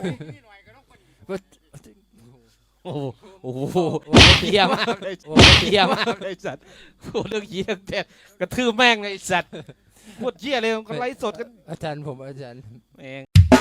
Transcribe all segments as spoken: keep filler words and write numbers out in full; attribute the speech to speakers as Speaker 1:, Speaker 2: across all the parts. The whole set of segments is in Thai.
Speaker 1: โอ้โหโอ้โหเหี้ยมากเลยโอ้เหี้ยมากเลยสัตว์พูดเรื่องเหี้ยแต่กระทืบแม่งเลยสัตว์พูดเหี้ยเลยกันไลฟ์สดกัน
Speaker 2: อาจารย์ผมอาจารย์
Speaker 1: เอง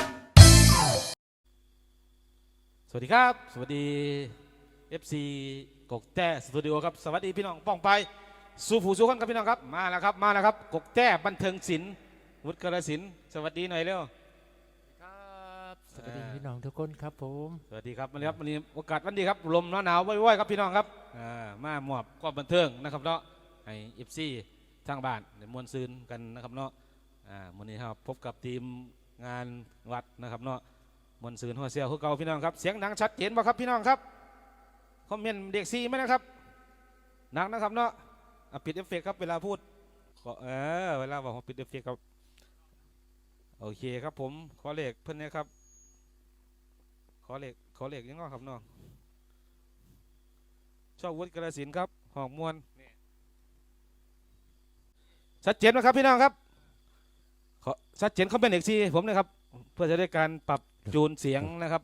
Speaker 1: สวัสดีครับสวัสดี เอฟ ซี กกแต้สตูดิโอครับสวัสดีพี่น้องป้องไปสู่ผู้สู่คนครับพี่น้องครับมาแล้วครับมาแล้วครับกกแต้บันเทิงศิลป์วุฒิกรศิลป์สวัสดีหน่อยเร็ว
Speaker 2: ครับสวัสดีพี่น้องทุกคนครับผม
Speaker 1: สวัสดีครับวันนี้ครับวันนี้โอกาสวันดีครับลมหนาวๆว่อยๆครับพี่น้องครับมาหมอบความบันเทิงนะครับเนาะให้ เอฟ ซี ทางบ้านเดี๋ยวมวลซืนกันนะครับเนาะวันนี้ครับพบกับทีมงานวัดนะครับเนาะมวลซืนหัวเสียวหัวเก่าพี่น้องครับเสียงดังชัดเจนป่ะครับพี่น้องครับคอมเมนต์เด็กซีไหมนะครับหนักนะครับเนาะปิดเอฟเฟกต์ครับเวลาพูดเออเวลาบอกว่าปิดเอฟเฟกต์ครับโอเคครับผมขอเลขเพื่อนนะครับขอเลขขอเลขยังไงครับเนาะชอบวุฒิกระสินครับหอกมวลชัดเจนไหมครับพี่น้องครับขอชัดเจนเขาเป็นเด็กซีผมนะครับเพื่อจะได้การปรับจูนเสียงนะครับ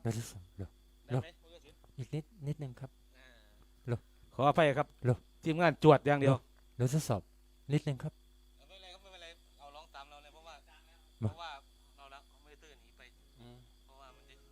Speaker 2: อีกนิดนิดนึงครับ
Speaker 1: ขออภัยครับทีมงานจวดอย่างเดียว
Speaker 2: เราทดสอบนิดนึงครับ
Speaker 1: ไม่เป็นไรครับไม่เป็นไรเอาร้องตามเราเลยเพราะว่าเพราะว่าเราละไม่ได้ตื่นหนีไปเพราะว่ามันจะ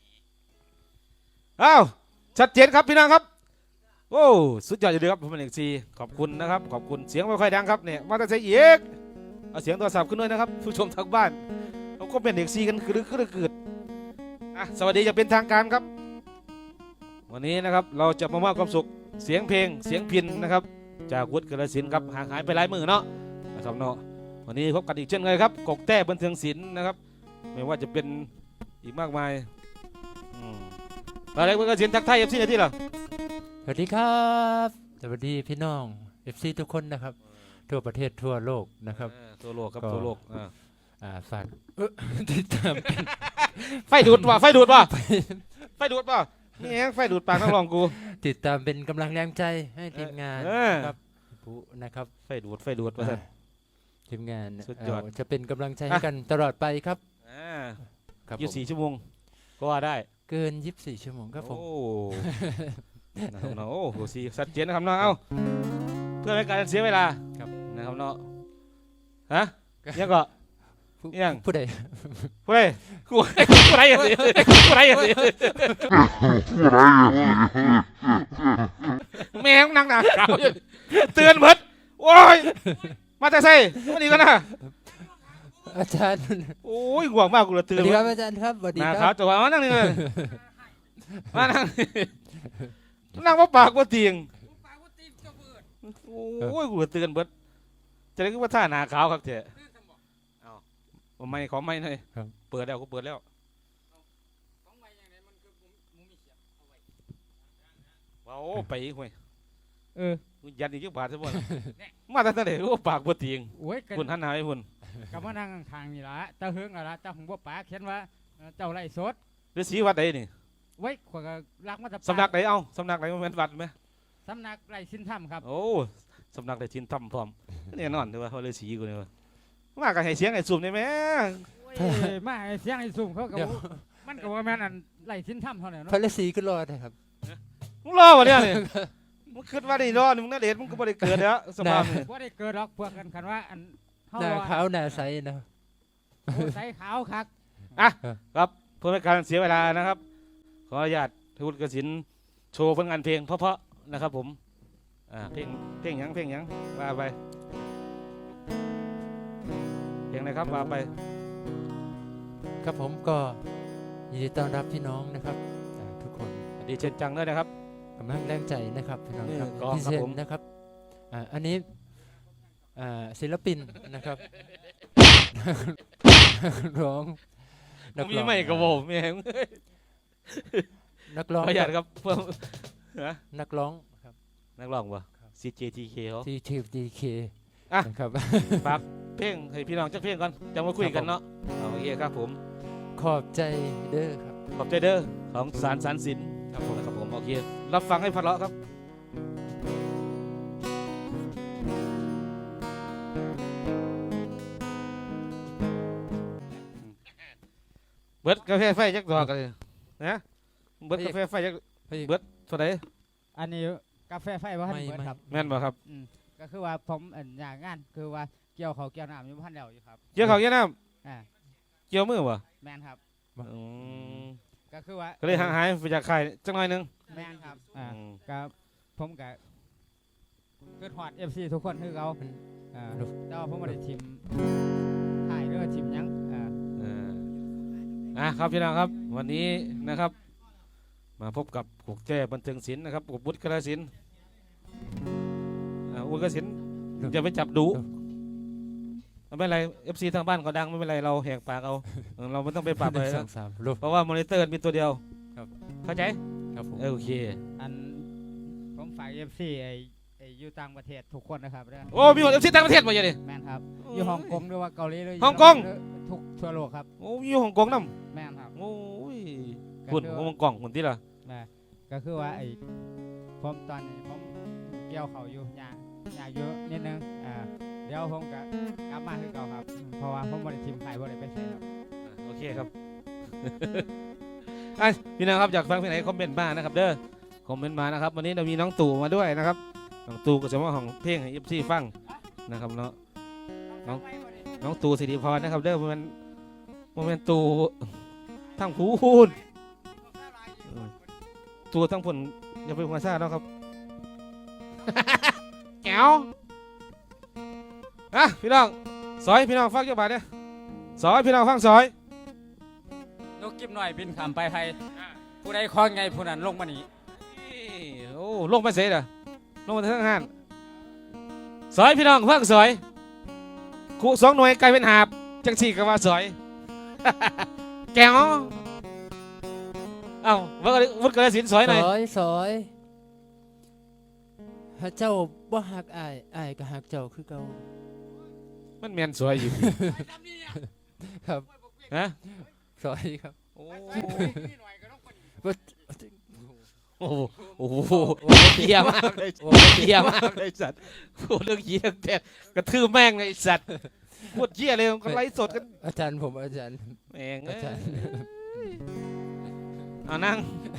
Speaker 1: อ้าวชัดเจนครับพี่น้องครับโอ้สุดยอดอยู่ดีครับผมเป็นเอกซีขอบคุณนะครับขอบคุณเสียงไม่ค่อยดังครับเนี่ยมาแต่เสียเอกเอาเสียงโทรศัพท์ขึ้นด้วยนะครับผู้ชมทางบ้านเราก็เป็นเอกซีกันคือคือเกิดอ่ะสวัสดีจะเป็นทางการครับวันนี้นะครับเราจะมามอบความสุขเสียงเพลงเสียงพิณนะครับจากวุฒิกรสินครับห่างหายไปหลายมือเนาะนะครับเนาะวันนี้พบกันอีกเช่นเคยครับกกแต้บันเทิงศิลป์นะครับไม่ว่าจะเป็นอีกมากมายอะไรวุฒิกรสินทักทายเอฟซีในที่เหรอ
Speaker 2: สวัสดีครับสวัสดีพี่น้องเอฟซีทุกคนนะครับทั่วประเทศทั่วโลกนะครับ
Speaker 1: ทั่วโลกครับทั่วโลก
Speaker 2: อ่าฝากติดตาม
Speaker 1: ไฟดูดป่ะไฟดูดป่ะไฟดูดป่ะนี่เองไฟดูดปากนักร้องกู
Speaker 2: ติดตามเป็นกำลังแรงใจให้ทีมงานครับผู้นะครับ
Speaker 1: ไฟดูดไฟดูดป่ะ
Speaker 2: ทีมงานจะเป็นกำลังใจให้กันตลอดไปครับ
Speaker 1: ยี่สิบสี่ชั่วโมงก็ว่าได้
Speaker 2: เกินยี่สิบสี่ชั่วโมงครับผม
Speaker 1: โอ้โหโอ้สีชัดเจนนะครับเนาะเอ้าเพื่อไม่การเสียเวลานะครับเนาะฮะยังก็ยัง
Speaker 2: ผู้ใด
Speaker 1: ผู้ใดผู้ใดผู้ใดอย่างนี้ผู้ใดอย่างนี้แม่งนั่งหนาขาวเตือนเพิดโอ้ยมาแต่ใส่วันนี้กันนะ
Speaker 2: อาจารย์
Speaker 1: โอ้ยห่วงมากกูเลยเตือน
Speaker 2: สวัสดีครับอาจารย์ครับสวัสดีครับ
Speaker 1: จังหวะมานั่งนี่เลยมานั่งนั่งว่าปากว่าเตียงโอ้ยกูเลยเตือนเพิดจะได้ก็ว่าท่าหนาขาวครับเจ๊ไม่ขอไม่เลยเปิดแล้วก็เปิดแล้วว้าวไปอีกเว้ยเออยันอีกยี่บาทซะบ่มาตั้งแต่เด็กก็ปากบ่ติงคุณหันหน้าให้คุณ
Speaker 3: กับมานั่งทางนี่ละเจ้าเฮืองอะไรเจ้าหงบ่ปากเขียนว่าเจ้าไร่สด
Speaker 1: ฤาษีวัดใดนี่
Speaker 3: ไว้ขวากรักมา
Speaker 1: สำนักไหนเอ้าสำนักไหนมันเป็นวัดไหม
Speaker 3: สำนักไร่ชินถ้ำครับ
Speaker 1: โอ้สำนักไร่ชินถ้ำพร้อมนี่นอนดูว่าเขาฤาษีกูเนี่ยมากับให้เสียงไอ้สุ่มได้ไหม
Speaker 3: มาให้เสียงไอ้สุ่มเขาก็มันก็ว่าแม่นั่นไล่ชิ้นถ้ำเท่านั้น
Speaker 2: พระฤาษีก็รอดนะครับ
Speaker 1: มึงรอวะเนี่ยมึงคิดว่าได้รอดมึงน่าเด็ดมึงก็ไม่ได้เกิดแล้วสภาพนี่
Speaker 3: ว่าได้เกิดหรอกพวกกันคันว่าอัน
Speaker 2: หน้าขาวหน้าใสนะ
Speaker 3: ใสขาวคัก
Speaker 1: อ่ะครับเพื่อไม่การเสียเวลานะครับขออนุญาตวุฒิกสินโชว์ผลงานเพลงเพราะๆนะครับผมอ่าเพลงเพลงยังเพลงยังว่าไปเพลงอะไรครับมาไป
Speaker 2: ครับผมก็ยินดีต้อนรับพี่น้องนะครับทุกคน
Speaker 1: ดีเช่นจังด้วยนะครับ
Speaker 2: กำลังแรงใจนะครับพี่น้องครับพี่เซนนะครับอันนี้ศิลปินนะครับร้อง
Speaker 1: นักร้องไม่กระโบไม่เห็น
Speaker 2: นักร้อง
Speaker 1: ประหยัดครับเพื่อ
Speaker 2: นักร้องครับ
Speaker 1: นักร้องวะ ซี เจ ที เค เขา
Speaker 2: ซี เจ ที เค
Speaker 1: อ่ะครับฝากเพลงให้พี่น้องจักเพลงก่อนจะมาคุยกันเนาะโอเคครับผม
Speaker 2: ขอบใจเด้อครับ
Speaker 1: ขอบใจเด้อของสารสารศิลป์ครับผมครับผมโอเครับฟังให้พเราะครับเบิดกาแฟไฟจักดอกกันเลยนะเบิดกาแฟไฟจัก
Speaker 2: พระเอก
Speaker 1: เบิดเท่าไหร่
Speaker 3: อันนี้กาแฟไฟบ่ทัน
Speaker 2: ไม่
Speaker 3: เบิด
Speaker 2: ไม่
Speaker 3: ครับ
Speaker 1: แม่นบ่ครับ
Speaker 3: อืมก็คือว่าผมอันอย่างงานคือว่าเกี่ยวเขาวเกี่ยวน้ำอยู่พันแล้วอยู่ครับ
Speaker 1: เกี่ยวข้าวเกี่ยวน้
Speaker 3: อ่า
Speaker 1: ำเกี่ยวมือบ่
Speaker 3: แมนครับ
Speaker 1: อืม
Speaker 3: ก็คือว่า
Speaker 1: ก็เลยห่างหายไปจากค่ายจังหน่อยหนึง
Speaker 3: แมนครับอ่า
Speaker 1: อืม
Speaker 3: ก็ผมก็เกิดฮอด เอฟ ซี ทุกคนคือเขาอ่าแต่ว่าผมบ่ได้ทีมถ่ายหรือว่าทีมหยังอ่า
Speaker 1: เอออ่ะครับพี่น้องครับวันนี้นะครับ มาพบกับกุกแจ้บันเทิงศิลป์นะครับกุกบุตรกระศิลป์อ่าอุตกศิลป์อย่าไปจับดุไม่เป็นไรเอฟซีทางบ้านก็ดังไม่เป็นไรเราแหกปากเอาเออเราไม่ต้องไปปรับ
Speaker 2: หนึ่
Speaker 1: เลย
Speaker 2: งสอ
Speaker 1: นะ
Speaker 2: งสามรูป
Speaker 1: เพราะว่ามอนิเตอร์มีตัวเดียว
Speaker 2: ครับ
Speaker 1: เข้าใจ
Speaker 2: ครับผม
Speaker 1: เออโอเค
Speaker 3: อันผมฝาก เอฟ ซี ไอ้ไอ้อยู่ต่างประเทศทุกคนนะครับเด้อ
Speaker 1: โอ้มีคนเอฟซีต่างประเทศมาอย่างนี้
Speaker 3: แมนครับอยู่ฮ่องกงหรือว่าเกาหลีหรือ
Speaker 1: ฮ่องกง
Speaker 3: หรือทุกทั่วโลกครับ
Speaker 1: โอ้ยอยู่ฮ่องกงน้
Speaker 3: แมนครับ
Speaker 1: ำโอ้ย
Speaker 3: ก็
Speaker 1: คุณ
Speaker 3: คือ
Speaker 1: ฮ่องกงคนที่ละ
Speaker 3: นะก็คือว่าไอ้ผมตอนนี้ผมเกี่ยวเขาอยู่ยากยากเยอะนิดนึงอ่าเดี๋ยวผมก็กลับมาคือเก่าครับอืมเพราะว่าผมบริทีมไทยบริไปใส่ครับ
Speaker 1: อ่ะโอเคครับ อ่ะพี่น้องครับอยากฟังเพลงไหนคอมเมนต์มานะครับเด้อคอมเมนต์มานะครับวันนี้เรามีน้องตู่มาด้วยนะครับน้องตู่ก็จะมาของเพลงให้เอฟซีฟังนะครับเนาะ น้อง น้องตู่สิริพรนะครับเด้อมันมันเป็นตู่ทั้งผูนเออตู่ทั้งผลอย่าไปหัวซ่าเนาะครับ แก้วอ่ะพี่น้องซอยพี่น้องฟังเจ้าบาทเนี่ยซอยพี่น้องฟังซอย
Speaker 4: นกกิบหน่อยบินขามไปไทยผู้ใดคล้องไงผู้นั้นลงมานี่
Speaker 1: โอ้ลงมาเสียเด้อลงมาทั้งห้านซอยพี่น้องฟังซอยคู่สองหน่วยกลายเป็นหาบจังสี่กับว่าซอย แก้วเอ้าวัดวัดกระสินซอยหน่อย
Speaker 2: ซอยซอยหาเจ้าบ่หักอายอายก็หักเจ้าคือเก่า
Speaker 1: มันแมนสวยอยู่
Speaker 2: ครับ
Speaker 1: ฮะ
Speaker 2: ซอยครับ
Speaker 1: โอ้
Speaker 2: บ่
Speaker 1: โอ้โหโอ้โหเหี้ยมากเลยเหี้ยมากเลยสัตว์พูดเรื่องเหี้ยแต่กระทืบแม่งเลยไอ้สัตว์พูดเหี้ยเลยก็ไลฟ์สดกัน
Speaker 2: อาจารย์ผมอาจารย์
Speaker 1: แม่งเอ้
Speaker 2: อาย จารย์
Speaker 1: เอานั่ง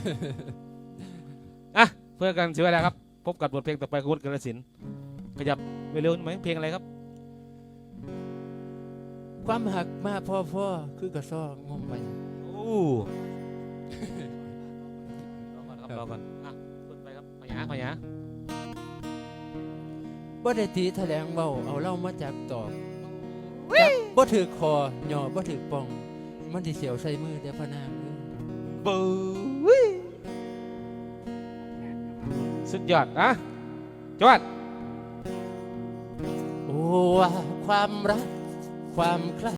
Speaker 1: อ่ะเพื่อกันเสียเวลาครับพบกับบทเพลงต่อไปของวุฒิกระสินขยับไปเร็วไหมเพลงอะไรครับ
Speaker 2: ความหักมาพ่อพ่อคือกระซ้องมไป
Speaker 1: โอ้รอก่อนครับรอก่อนอ่ะพูดไปครับพยาพยา
Speaker 2: บ่ได้ตีแถลงเว้าเอาเล่ามาจากตอกจับบ่ถือคอหย่อบ่ถือป่อง มันสิเสียวใส่มือแต่พะนางเอ้ย
Speaker 1: บู๊ยสุดยอดนะจวด
Speaker 2: โอ้ว่าความรักความใคร่